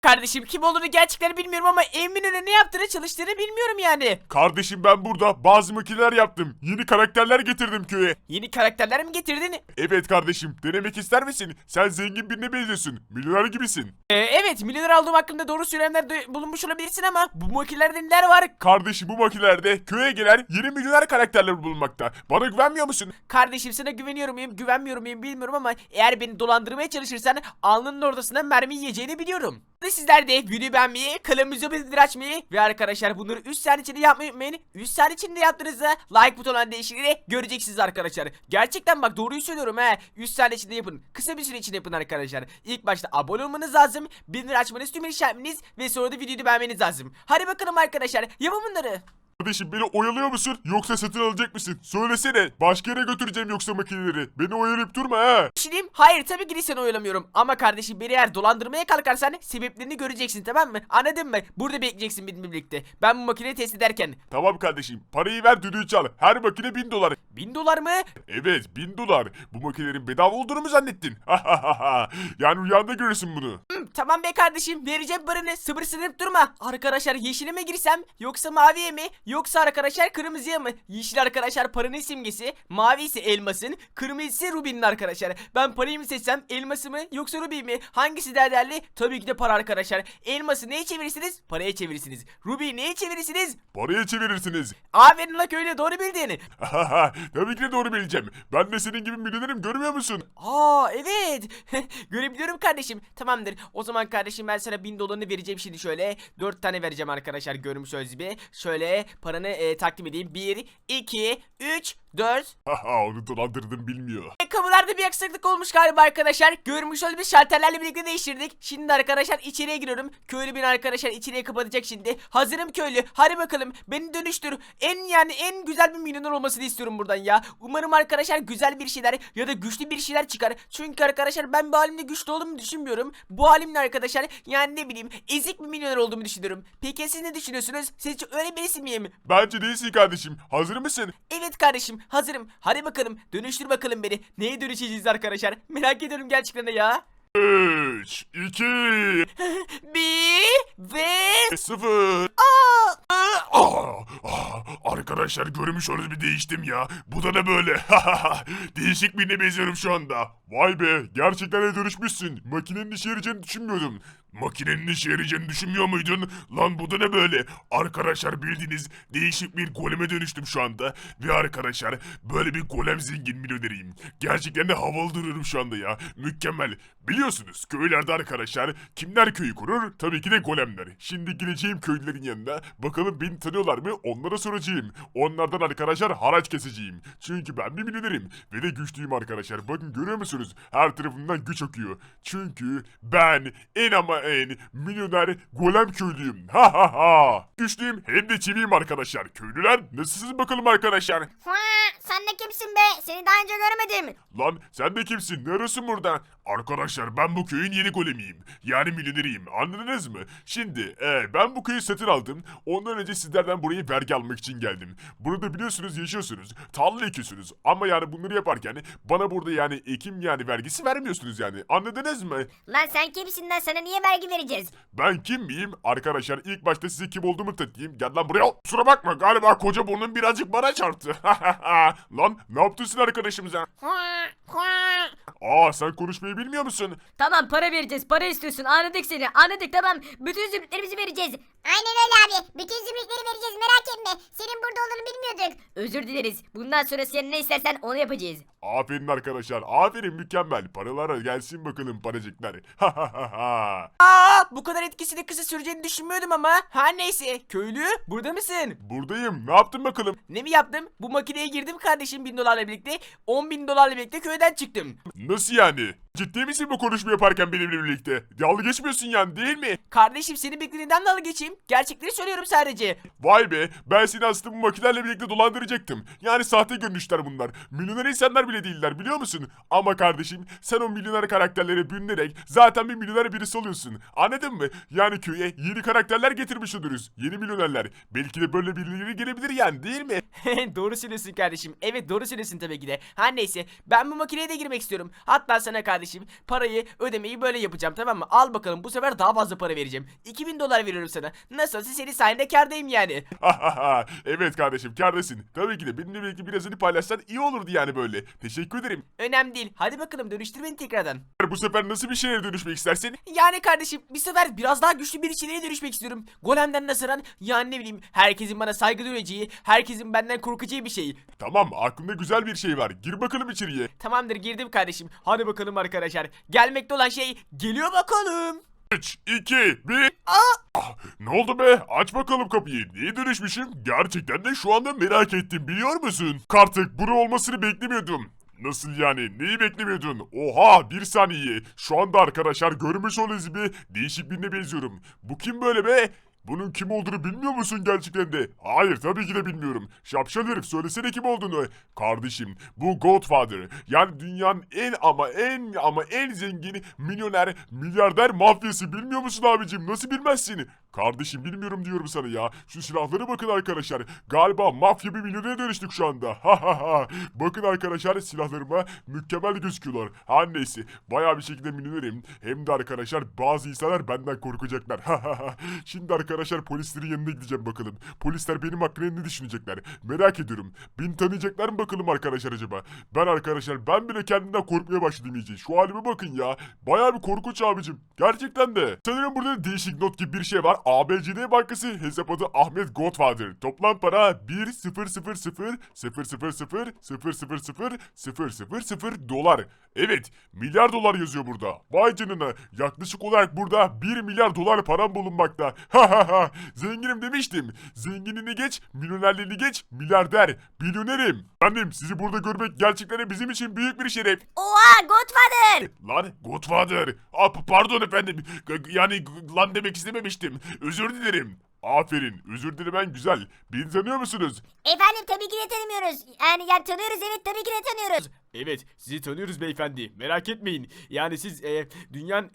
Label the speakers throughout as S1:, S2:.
S1: Kardeşim kim olduğunu gerçekten bilmiyorum ama Eminönü'ne ne yaptığını çalıştığını bilmiyorum yani.
S2: Kardeşim ben burada bazı makineler yaptım. Yeni karakterler getirdim köye.
S1: Yeni karakterler mi getirdin?
S2: Evet kardeşim, denemek ister misin? Sen zengin birine benziyorsun. Milyoner gibisin.
S1: Evet, milyoner olduğum hakkında doğru söylemler bulunmuş olabilirsin ama bu makinelerde neler var?
S2: Kardeşim bu makinelerde köye gelen yeni milyoner karakterler bulunmakta. Bana güvenmiyor musun?
S1: Kardeşim sana güveniyor muyum, güvenmiyor muyum bilmiyorum ama eğer beni dolandırmaya çalışırsan alnının ortasına mermi yiyeceğini biliyorum. Sizler de videoyu beğenmeyi, kanalımıza bildirim açmayı ve arkadaşlar bunları 3 saniye içinde yapmayı unutmayın. 3 saniye içinde yaptığınızda like butonuna değişikliğini göreceksiniz arkadaşlar. Gerçekten bak doğruyu söylüyorum he. 3 saniye içinde yapın. Kısa bir süre içinde yapın arkadaşlar. İlk başta abone olmanız lazım. Bildirim açmanız, tüm işaretiniz ve sonra da videoyu beğenmeniz lazım. Hadi bakalım arkadaşlar, yapın bunları.
S2: Kardeşim beni oyalıyor musun yoksa satın alacak mısın? Söylesene, başka yere götüreceğim yoksa makineleri. Beni oyalayıp durma ha.
S1: Düşüneyim. Hayır tabii ki de seni oyalamıyorum. Ama kardeşim beni eğer dolandırmaya kalkarsan sebeplerini göreceksin, tamam mı? Anladın mı? Burada bekleyeceksin benimle birlikte. Ben bu makineyi test ederken.
S2: Tamam kardeşim, parayı ver düdüğü çal. Her makine 1000 dolar.
S1: 1000 dolar mı?
S2: Evet 1000 dolar. Bu makinelerin bedava olduğunu mu zannettin? Yani rüyanda görürsün bunu.
S1: Tamam be kardeşim, vereceğim paranı, sıvırsınıp durma. Arkadaşlar yeşile mi girsem yoksa maviye mi yoksa arkadaşlar kırmızıya mı? Yeşil arkadaşlar paranın simgesi, mavi ise elmasın, kırmızı ise rubinin arkadaşlar. Ben parayı mı seçsem, elması mı yoksa rubi mi? Hangisi daha değerli? Tabii ki de para arkadaşlar. Elması neye çevirirsiniz? Paraya çevirirsiniz. Rubiyi neye çevirirsiniz?
S2: Paraya çevirirsiniz.
S1: Aferin la köylü, doğru bildin.
S2: Tabii ki de doğru bileceğim. Ben de senin gibi milyonerim, görmüyor musun?
S1: Evet. Görebiliyorum kardeşim. Tamamdır. O zaman kardeşim ben sana 1000 dolarını vereceğim şimdi şöyle. 4 tane vereceğim arkadaşlar, görmüş olduğunuz gibi. Şöyle paranı takdim edeyim. 1, 2, 3, 4.
S2: Onu dolandırdım, bilmiyor.
S1: Kapılarda bir aksaklık olmuş galiba arkadaşlar. Görmüş olduğunuz şalterlerle birlikte değiştirdik. Şimdi arkadaşlar içeriye giriyorum. Köylü beni arkadaşlar içeriye kapatacak şimdi. Hazırım köylü. Hadi bakalım. Beni dönüştür. En güzel bir milyoner olmasını istiyorum buradan ya. Umarım arkadaşlar güzel bir şeyler ya da güçlü bir şeyler çıkar. Çünkü arkadaşlar ben bu halimle güçlü olduğumu düşünmüyorum. Bu halimle arkadaşlar yani ne bileyim ezik bir milyoner olduğumu düşünüyorum. Peki siz ne düşünüyorsunuz? Sizce öyle birisi miyim?
S2: Bence değilsin kardeşim. Hazır mısın?
S1: Evet kardeşim, hazırım. Hadi bakalım dönüştür bakalım beni. Neye dönüşeceğiz arkadaşlar? Merak ediyorum gerçekten de ya.
S2: 3, 2,
S1: Bir ve
S2: 0. Arkadaşlar görmüş olduğunuz bir değiştim ya. Bu da ne böyle? Değişik birine benziyorum şu anda. Vay be, gerçekten de dönüşmüşsün. Makinenin işe yarayacağını düşünmüyordum. Makinenin işe yarayacağını düşünmüyor muydun? Lan bu da ne böyle? Arkadaşlar bildiğiniz değişik bir goleme dönüştüm şu anda. Ve arkadaşlar böyle bir golem zengin milyoneriyim. Gerçekten de havalı duruyorum şu anda ya. Mükemmel. Biliyorsunuz köylerde arkadaşlar kimler köyü kurur? Tabii ki de golemler. Şimdi gideceğim köylülerin yanına. Bakalım beni tanıyorlar mı? Onlara soracağım. Onlardan arkadaşlar haraç keseceğim. Çünkü ben bir milyonerim. Ve de güçlüyüm arkadaşlar. Bakın görüyor musunuz? Her tarafımdan güç akıyor. Çünkü ben en milyoner golem köylüyüm. Güçlüyüm hem de çiviyim arkadaşlar. Köylüler nasılsınız bakalım arkadaşlar?
S3: Sen de kimsin be? Seni daha önce görmedim.
S2: Lan sen de kimsin? Ne arıyorsun burada? Arkadaşlar ben bu köyün yeni golemiyim. Yani milyoneriyim. Anladınız mı? Şimdi ben bu köyü satın aldım. Ondan önce sizlerden buraya vergi almak için geldim. Burada biliyorsunuz yaşıyorsunuz. Tarla ekiyorsunuz. Ama yani bunları yaparken bana burada yani ekim yani vergisi vermiyorsunuz yani. Anladınız mı?
S3: Lan sen kimsin lan? Sana niye vergi vereceğiz?
S2: Ben kim miyim? Arkadaşlar ilk başta size kim olduğumu tanıtayım. Gel lan buraya. Kusura bakma galiba koca burnum birazcık bana çarptı. Lan ne yaptın arkadaşımıza? Sen konuşmayı bilmiyor musun?
S4: Tamam, para vereceğiz. Para istiyorsun. Anladık seni. Anladık, tamam. Bütün zümrütlerimizi vereceğiz.
S3: Aynen öyle abi. Bütün zümrütleri vereceğiz, merak etme. Senin burada olduğunu bilmiyorduk.
S4: Özür dileriz. Bundan sonra sen ne istersen onu yapacağız.
S2: Aferin arkadaşlar. Aferin, mükemmel. Paralara gelsin bakalım paracıklar.
S1: bu kadar etkisini kısa süreceğini düşünmüyordum ama. Her neyse, köylü burada mısın?
S2: Buradayım. Ne yaptın bakalım?
S1: Ne mi yaptım? Bu makineye girdim kardeşim 1000 dolarla birlikte. 10.000 dolarla birlikte köyden çıktım.
S2: Nasıl yani? Ciddi misin bu konuşma yaparken benimle birlikte? Dalga geçmiyorsun yani, değil mi?
S1: Kardeşim senin beklediğinden dalga geçeyim. Gerçekleri söylüyorum sadece.
S2: Vay be, ben seni aslında bu makinelerle birlikte dolandıracaktım. Yani sahte görünüşler bunlar. Milyoner insanlar bile değiller, biliyor musun? Ama kardeşim sen o milyoner karakterlere bürünerek zaten bir milyoner birisi oluyorsun. Anladın mı? Yani köye yeni karakterler getirmiş oluruz. Yeni milyonerler. Belki de böyle birileri gelebilir yani, değil mi?
S1: Doğru söylüyorsun kardeşim. Evet, doğru söylüyorsun tabii ki de. Her neyse, ben bu makineye de girmek istiyorum. Hatta sana kardeşim parayı ödemeyi böyle yapacağım, tamam mı? Al bakalım, bu sefer daha fazla para vereceğim. 2000 dolar veriyorum sana. Nasılsa senin sayende kârdayım yani.
S2: Evet kardeşim, kârdasın. Tabii ki de benimle belki birazını paylaşsan iyi olurdu yani böyle. Teşekkür ederim.
S1: Önemli değil. Hadi bakalım, dönüştür beni tekrardan.
S2: Bu sefer nasıl bir şeye dönüşmek istersin?
S1: Yani kardeşim, bir sefer biraz daha güçlü bir içeriye dönüşmek istiyorum. Golemden nazaran, yani ne bileyim, herkesin bana saygı duyacağı, herkesin benden korkacağı bir şey.
S2: Tamam, aklımda güzel bir şey var. Gir bakalım içeriye.
S1: Tamamdır, girdim kardeşim. Hadi bakalım arkadaşlar. Gelmekte olan şey geliyor bakalım.
S2: 3, 2, 1. Ah, ne oldu be? Aç bakalım kapıyı. Niye dönüşmüşüm? Gerçekten de şu anda merak ettim, biliyor musun? Artık bunu olmasını beklemiyordum. Nasıl yani? Neyi beklemiyordun? Oha, bir saniye. Şu anda arkadaşlar görmüş olduğunuz gibi değişik birine benziyorum. Bu kim böyle be? Bunun kim olduğunu bilmiyor musun gerçekten de? Hayır, tabii ki de bilmiyorum. Şapşal herif, söylesene kim olduğunu. Kardeşim, bu Godfather. Yani dünyanın en zengin milyoner, milyarder mafyası, bilmiyor musun abicim? Nasıl bilmezsin? Kardeşim, bilmiyorum diyorum sana ya. Şu silahlara bakın arkadaşlar. Galiba mafya bir milyonere dönüştük şu anda. Bakın arkadaşlar, silahlarıma mükemmel gözüküyorlar. Her neyse, bayağı bir şekilde milyonerim. Hem de arkadaşlar bazı insanlar benden korkacaklar. Şimdi arkadaşlar polislerin yanına gideceğim bakalım. Polisler benim hakkında ne düşünecekler? Merak ediyorum. Beni tanıyacaklar mı bakalım arkadaşlar acaba? Ben bile kendimden korkmaya başladım iyice. Şu halime bakın ya. Bayağı bir korkunç abicim. Gerçekten de. Sanırım burada değişik not gibi bir şey var. ABCD Bankası, hesap adı Ahmet Godfather. Toplam para 1.000.000.000.000 dolar. Evet, milyar dolar yazıyor burada. Vay canına. Yaklaşık olarak burada 1 milyar dolar param bulunmakta. Zenginim demiştim. Zenginini geç, milyonerliğini geç, milyarder, milyonerim. Efendim, sizi burada görmek gerçekten bizim için büyük bir şeref.
S4: Oha Godfather.
S2: Lan Godfather. Pardon efendim. Yani lan demek istememiştim. Özür dilerim. Aferin. Özür dilemen güzel. Beni tanıyor musunuz?
S3: Efendim tabii ki de tanımıyoruz. Yani tanıyoruz, evet, tabii ki de tanıyoruz.
S1: Evet, sizi tanıyoruz beyefendi. Merak etmeyin. Yani siz dünyanın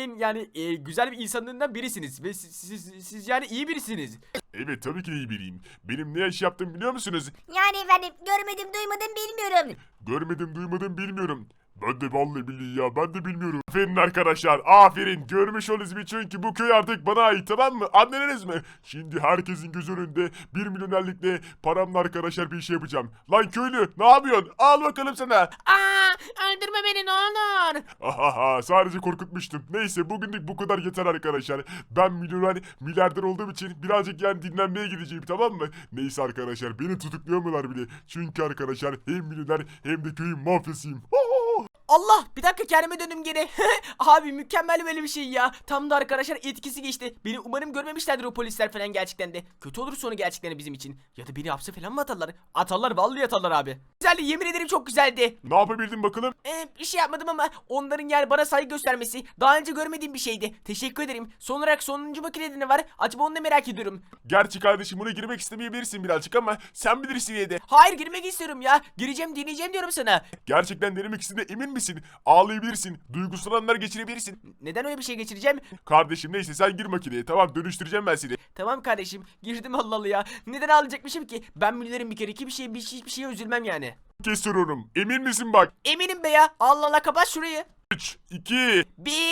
S1: en güzel bir insanlarından birisiniz. Ve siz yani iyi birisiniz.
S2: Evet, tabii ki de iyi biriyim. Benim ne iş yaptığımı biliyor musunuz?
S3: Yani efendim görmedim, duymadım, bilmiyorum.
S2: Görmedim, duymadım, bilmiyorum. Ben de vallahi billahi ya, ben de bilmiyorum. Aferin arkadaşlar, aferin. Görmüş olduğunuz gibi, çünkü bu köy artık bana ait, tamam mı? Anladınız mı? Şimdi herkesin göz önünde 1 milyonerlikle paramla arkadaşlar bir şey yapacağım. Lan köylü, ne yapıyorsun? Al bakalım sana.
S1: Öldürme beni ne olur.
S2: Sadece korkutmuştum. Neyse, bugünlük bu kadar yeter arkadaşlar. Ben milyarder olduğum için birazcık yani dinlenmeye gideceğim, tamam mı? Neyse arkadaşlar, beni tutuklayamıyorlar bile. Çünkü arkadaşlar hem milyoner hem de köyün mafyasıyım.
S1: Allah, bir dakika, kendime döndüm geri. Abi mükemmel böyle bir şey ya. Tam da arkadaşlar etkisi geçti. Beni umarım görmemişlerdir o polisler falan gerçekten de. Kötü olur sonu gerçekten de bizim için. Ya da beni hapse falan mı atarlar? Atarlar, vallahi atarlar abi. Güzeldi, yemin ederim çok güzeldi.
S2: Ne yapabildin bakalım?
S1: Bir şey yapmadım ama onların yani bana saygı göstermesi daha önce görmediğim bir şeydi. Teşekkür ederim. Son olarak sonuncu makinede ne var? Acaba onu da merak ediyorum.
S2: Gerçi kardeşim, buna girmek istemeyebilirsin birazcık ama sen bilirsin yine de.
S1: Hayır, girmek istiyorum ya. Gireceğim, deneyeceğim diyorum sana.
S2: Gerçekten denemek istediğine emin misin? Ağlayabilirsin, duygusal anlar geçirebilirsin.
S1: Neden öyle bir şey geçireceğim?
S2: Kardeşim neyse, sen gir makineye, tamam, dönüştüreceğim ben seni.
S1: Tamam kardeşim, girdim, Allah Allah ya. Neden ağlayacakmışım ki? Ben milyonerim bir kere, hiçbir şeye üzülmem yani.
S2: Kes soruyorum, emin misin bak?
S1: Eminim be ya. Allah Allah, kapat şurayı.
S2: 3, 2,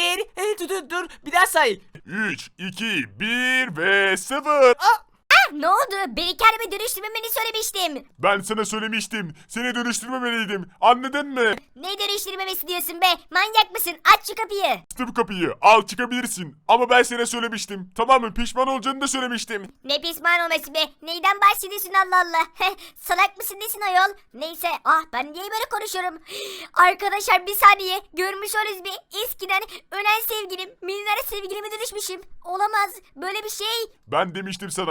S1: Dur, bir daha say.
S2: 3, 2, 1 ve 0.
S3: Ne oldu? Beni kendime dönüştürmemeni söylemiştim.
S2: Ben sana söylemiştim, seni dönüştürmemeliydim, anladın mı?
S3: Ne dönüştürmemesi diyorsun be? Manyak mısın? Aç şu kapıyı.
S2: Açtım kapıyı, al çıkabilirsin. Ama ben sana söylemiştim, tamam mı? Pişman olacağını da söylemiştim.
S3: Ne pişman olması be? Neyden bahsediyorsun Allah Allah? Salak mısın nesin ayol? Neyse, ben niye böyle konuşuyorum? Arkadaşlar bir saniye, görmüş oluruz bir eskiden ölen sevgilim, milyoner sevgilime dönüşmüşüm. Olamaz böyle bir şey.
S2: Ben demiştim sana, ona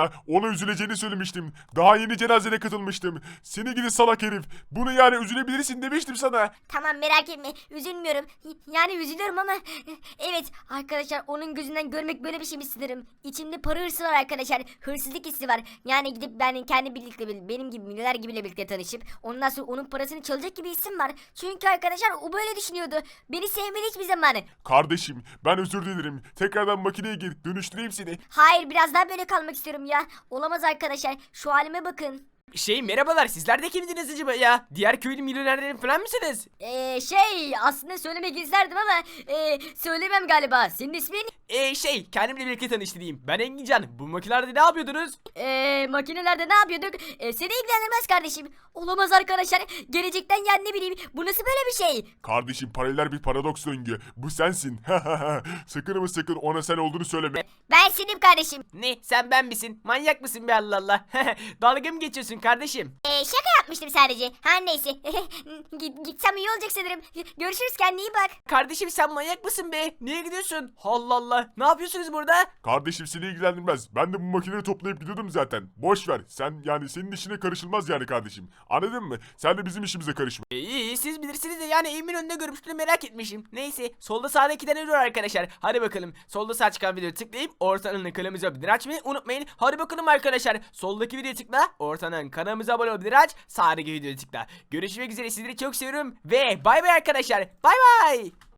S2: üzüleceğini söylemiştim. Daha yeni cenazene katılmıştım. Seni gidi salak herif. Bunu yani üzülebilirsin demiştim sana.
S3: Tamam merak etme üzülmüyorum. Yani üzülüyorum ama evet arkadaşlar onun gözünden görmek böyle bir şey mi sanırım. İçimde para hırsı var arkadaşlar. Hırsızlık hissi var. Yani gidip ben kendi birlikte benim gibi milyoner gibiyle birlikte tanışıp ondan sonra onun parasını çalacak gibi hissim var. Çünkü arkadaşlar o böyle düşünüyordu. Beni sevmedi hiçbir zaman.
S2: Kardeşim ben özür dilerim. Tekrardan makineye gir. Dönüştüreyim seni.
S3: Hayır biraz daha böyle kalmak istiyorum ya. Olamaz arkadaşlar. Şu halime bakın.
S1: Merhabalar, sizler de kimdiniz acaba ya? Diğer köylü milyonerlerin falan mısınız?
S4: Aslında söylemek isterdim ama söylemem galiba. Senin ismin?
S1: Kendimle birlikte tanıştırayım. Ben Engincan. Bu makinelerde ne yapıyordunuz?
S4: Makinelerde ne yapıyorduk?
S3: Seni ilgilendirmez kardeşim.
S4: Olamaz arkadaşlar. Gelecekten yani ne bileyim. Bu nasıl böyle bir şey?
S2: Kardeşim paralel bir paradoks döngü. Bu sensin. Sakın ama sakın ona sen olduğunu söyleme.
S3: Ben senim kardeşim.
S1: Ne? Sen ben misin? Manyak mısın be Allah Allah? Dalga mı geçiyorsun kardeşim?
S3: Şaka yapmıştım sadece. Her neyse. Gitsem iyi olacak sanırım. Görüşürüz kendine iyi bak.
S1: Kardeşim sen manyak mısın be? Niye gidiyorsun? Allah Allah. Ne yapıyorsunuz burada?
S2: Kardeşim seni ilgilendirmez. Ben de bu makineyi toplayıp gidiyordum zaten. Boş ver. Sen yani senin işine karışılmaz yani kardeşim. Anladın mı? Sen de bizim işimize karışma.
S1: İyi siz bilirsiniz de yani evimin önünde görmüştüm merak etmişim. Neyse solda sağda 2 tane video var arkadaşlar. Hadi bakalım solda sağ çıkan videoyu tıklayıp ortanın kanalımıza abone açmayı unutmayın. Hadi bakalım arkadaşlar soldaki videoyu tıkla ortanın kanalımıza abone ol aç sağdaki videoyu tıkla. Görüşmek üzere sizleri çok seviyorum ve bay bay arkadaşlar. Bay bay.